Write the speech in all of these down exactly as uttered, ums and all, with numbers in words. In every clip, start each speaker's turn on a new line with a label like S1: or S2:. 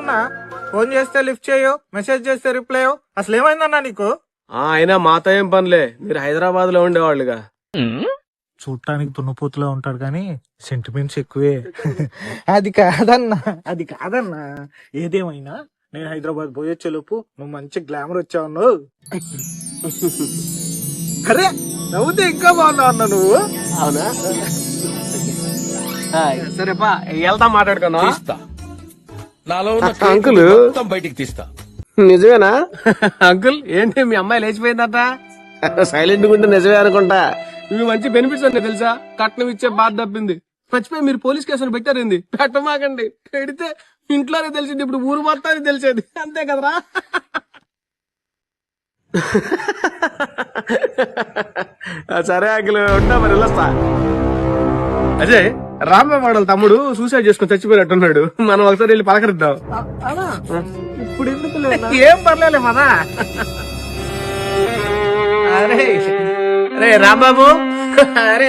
S1: ఏమైందన్నా? ఫోన్ చేస్తే లిఫ్ట్ చేయో, మెసేజ్ చేస్తే రిప్లై అసలు ఏమైందన్నా నీకు?
S2: అయినా మాతో ఏం పనిలే, మీరు హైదరాబాద్ లో ఉండేవాళ్ళుగా.
S1: చూడటానికి దున్నపోతులా ఉంటాడు కానీ సెంటిమెంట్స్ ఎక్కువే. అది కాదన్నా, అది కాదన్నా. ఏదేమైనా నేను హైదరాబాద్ పోయొచ్చేలోపు నువ్వు మంచి గ్లామర్ వచ్చావు. అరే నవ్వుతే ఇంకా బాగున్నావు అన్న నువ్వు.
S2: అవునా? సరేపా వెళ్తా మాట్లాడుకున్నా.
S3: నాలో ఉన్న
S2: అంకుల్
S3: మొత్తం బయటికి తీస్తా.
S2: నిజమేనా? అంకుల్ ఏంటి మీ అమ్మాయి లేచిపోయిందట? సైలెంట్ గా ఉంటే నిజమే అనుకుంటా. ఇవి మంచి బెనిఫిట్స్ ఉన్నాయి తెలుసా? కట్నం ఇచ్చే బాధ తప్పింది. మర్చిపోయి మీరు పోలీస్ కేసులు పెట్టారండి. పెట్టమాకండి, పెడితే ఇంట్లోనే తెలిసింది, ఇప్పుడు ఊరు మొత్తానికి తెలిసేది. అంతే కదరా? సరే అంకుల్ ఉంటా, మరి వెళ్ళొస్తా. అజయ్, రాంబాబు వాళ్ళ తమ్ముడు సూసైడ్ చేసుకుని చచ్చిపోయినట్టున్నాడు. మనం ఒకసారి వెళ్ళి పలకరిద్దాం.
S1: ఇప్పుడు ఎందుకు
S2: ఏం పర్లేదు మదా. అరే అరే రాంబాబు, అరే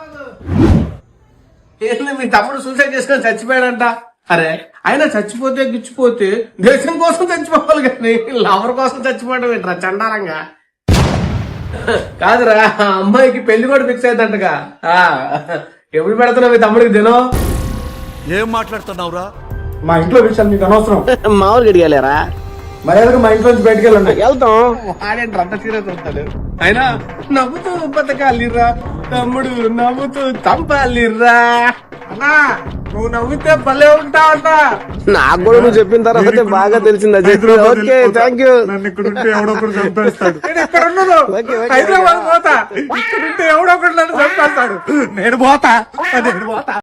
S2: ఏంది మీ తమ్ముడు సూసైడ్ చేసుకుని చచ్చిపోయాడంట? అరే ఆయన చచ్చిపోతే గిచ్చిపోతే దేశం కోసం చచ్చిపోవాలి కానీ లవర్ కోసం చచ్చిపోవడం ఏంట్రా చండాలంగా? కాదురా, అమ్మాయికి పెళ్లి కూడా ఫిక్స్ అయిందంటగా. ఎప్పుడు పెడుతున్నావు మీ తమ్ముడికి దినం?
S3: ఏం మాట్లాడుతున్నావురా?
S1: మా ఇంట్లో విషయాలు నీకు అనవసరం.
S2: మామూలు గడిగలేరా?
S1: మర్యాదగా మా ఇంట్లో నుంచి బయటకు వెళ్ళండి.
S2: వెళ్తాం. ఆడేంటి అంత సీరియస్ అవుతాడు? అయినా నవ్వుతూ బతకాలిరా తమ్ముడు, నవ్వుతూ చంపాలిరా.
S1: అన్నా నువ్వు నవ్వితే భలే ఉంటావన్నా.
S2: నాకు కూడా నువ్వు చెప్పిన తర్వాత బాగా తెలిసింది అజయ్. Okay thank you.
S1: నన్ను ఇక్కడ ఉంటే ఎవడో ఒకడు చంపేస్తాడు. నేను ఇక్కడ ఉన్నాను, హైదరాబాద్ పోతా. ఇక్కడ ఉంటే ఎవడో ఒకడు నన్ను చంపేస్తాడు. నేను పోతా, నేను పోతా.